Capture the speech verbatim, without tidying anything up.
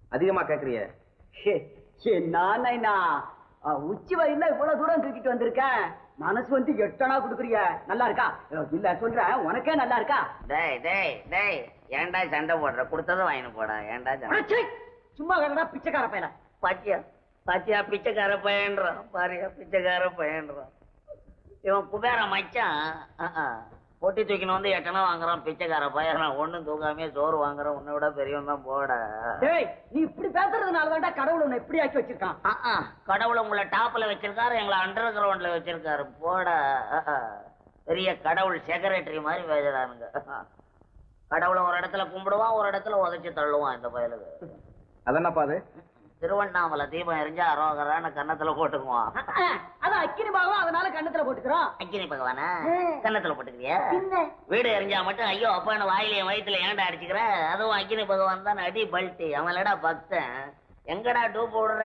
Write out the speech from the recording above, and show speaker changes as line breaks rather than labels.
அதிகமா கேக்குறிய?
நானா உச்சி வயல்ல இவ்வளவு தூரம் தூக்கிட்டு வந்திருக்கேன். மனசு வந்து எட்டனா குடுக்குறிய. நல்லா இருக்கா? இல்ல சொல்றேன், உனக்கே நல்லா இருக்கா?
டேய் டேய் டேய், ஏன்டா சண்டை போடுற? கொடுத்ததை வாங்கி போடா. ஏன்டா சண்டை?
சும்மா வேணா பிச்சைக்கார பையன.
பாத்தியா பாத்தியா, பிச்சைக்கார பையன்றான் பாரியா, பிச்சைக்கார பையன்றான். இவன் குபேர மச்சான். பொட்டி தூக்கின்னு வந்து எட்டனா வாங்குறான் பிச்சைக்கார பையன். ஒண்ணும் தூக்காமே சோறு வாங்குறான். உன்னை விட பெரியவன் தான் போட.
டேய், நீ இப்படி பேசுறதுனால தான்டா கடவுள் உன்னை இப்படி ஆக்கி வச்சிருக்கான்.
கடவுள் உங்களை டாப்ல வச்சிருக்காரு, எங்களை அண்டர் கிரவுண்ட்ல வச்சிருக்காரு போட. பெரிய கடவுள் செக்ரட்டரி மாதிரி பேசுறானுங்க. கடவுளை ஒரு இடத்துல கும்பிடுவான், ஒரு இடத்துல உதைச்சு தள்ளுவான் இந்த பயலுக்கு.
அதென்னப்பா அது?
திருவண்ணாமலை தீபம் எரிஞ்சா அரோகரான கன்னத்துல போட்டுக்குவான்.
அது அக்கினி பாகம், அதனால கண்ணத்துல போட்டுக்கிறோம்.
அக்கினி பகவானா கன்னத்துல போட்டுக்கிறியா? வீடு எரிஞ்சா மட்டும் ஐயோ அப்பான்னு வாயிலையும் வயிற்றுல ஏன்டா அடிச்சுக்கிற? அதுவும் அக்கினி பகவான் தான் அடி பல்ட்டி. அவன் இல்லடா பக்தன். எங்கடா டூ போடுற?